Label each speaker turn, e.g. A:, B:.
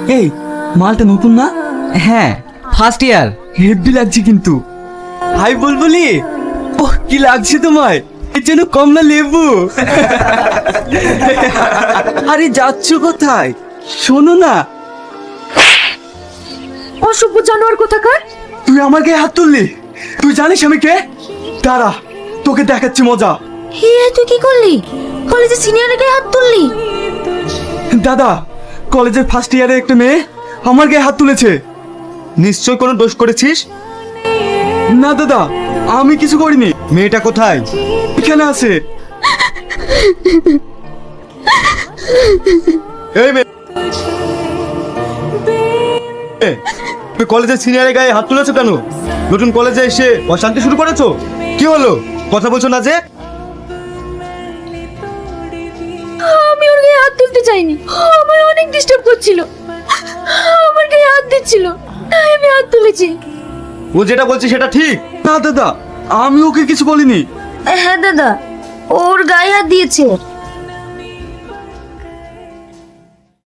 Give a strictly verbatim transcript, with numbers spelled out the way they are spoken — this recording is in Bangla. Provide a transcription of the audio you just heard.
A: এই মালটা নতুন না?
B: হ্যাঁ, ফার্স্ট ইয়ার।
A: হেভি লাগছে কিন্তু। হাই বলবলি, ওহ কি লাগছে তোমায়? এর জন্য কমলা লেবু। আরে যাচ্ছ কোথায়? শোনো না।
C: অসভ্য জানোয়ার কোথাকার।
A: তুই আমার গায়ে হাত তুললি? তুই জানিস আমি কে? দাঁড়া, তোকে দেখাচ্ছি মজা।
C: হে তুই কি করলি? কলেজে সিনিয়রের গায়ে হাত তুললি?
A: দাদা, কলেজের ফার্স্ট ইয়ারে একটা মেয়ে আমার গায়ে হাত তুলেছে।
D: নিশ্চয় কোনো দোষ করেছিস?
A: না দাদা, আমি কিছু করিনি।
D: মেয়েটা কোথায়?
A: এখানে আছে।
D: এই মেয়ে, এ, তুমি কলেজের সিনিয়রের গায়ে হাত তুলেছো কেন? নতুন কলেজে এসে অশান্তি শুরু করেছো? কি হলো, কথা বলছো না যে?
C: আমি ওর গায়ে হাত তুলতে চাইনি, আমায় অনেক ডিস্টার্ব করছিল, আমার গায়ে হাত দিচ্ছিল, তাই আমি হাত তুলেছি।
D: ও যেটা বলছে সেটা ঠিক?
A: না দাদা, আমি ওকে কিছু বলিনি।
C: হ্যাঁ দাদা, ওর গায়ে হাত দিয়েছে।